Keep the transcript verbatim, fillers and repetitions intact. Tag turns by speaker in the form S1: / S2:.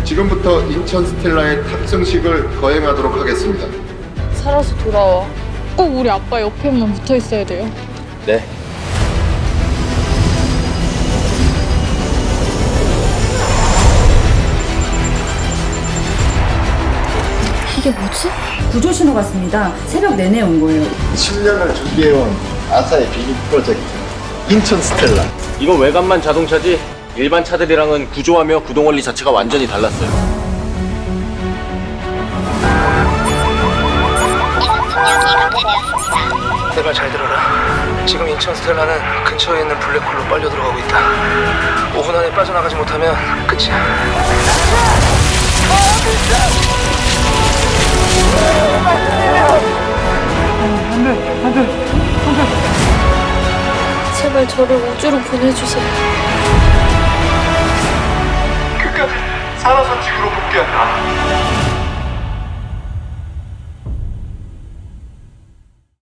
S1: 지금부터 인천 스텔라의 탑승식을 거행하도록 하겠습니다.
S2: 살아서 돌아와. 꼭 우리 아빠 옆에만 붙어 있어야 돼요.
S3: 네.
S2: 이게 뭐지?
S4: 구조 신호가 왔습니다. 새벽 내내 온 거예요.
S1: 십 년을 준비해온 아사의 비밀 프로젝트 인천 스텔라.
S3: 이건 외관만 자동차지 일반 차들이랑은 구조하며 구동 원리 자체가 완전히 달랐어요.
S5: 내 말 잘 들어라. 지금 인천 스텔라는 근처에 있는 블랙홀로 빨려 들어가고 있다. 오 분 안에 빠져나가지 못하면 끝이야.
S2: 제발 저를 우주로 보내주세요.
S1: 끝까지 살아서 지구로 복귀한다.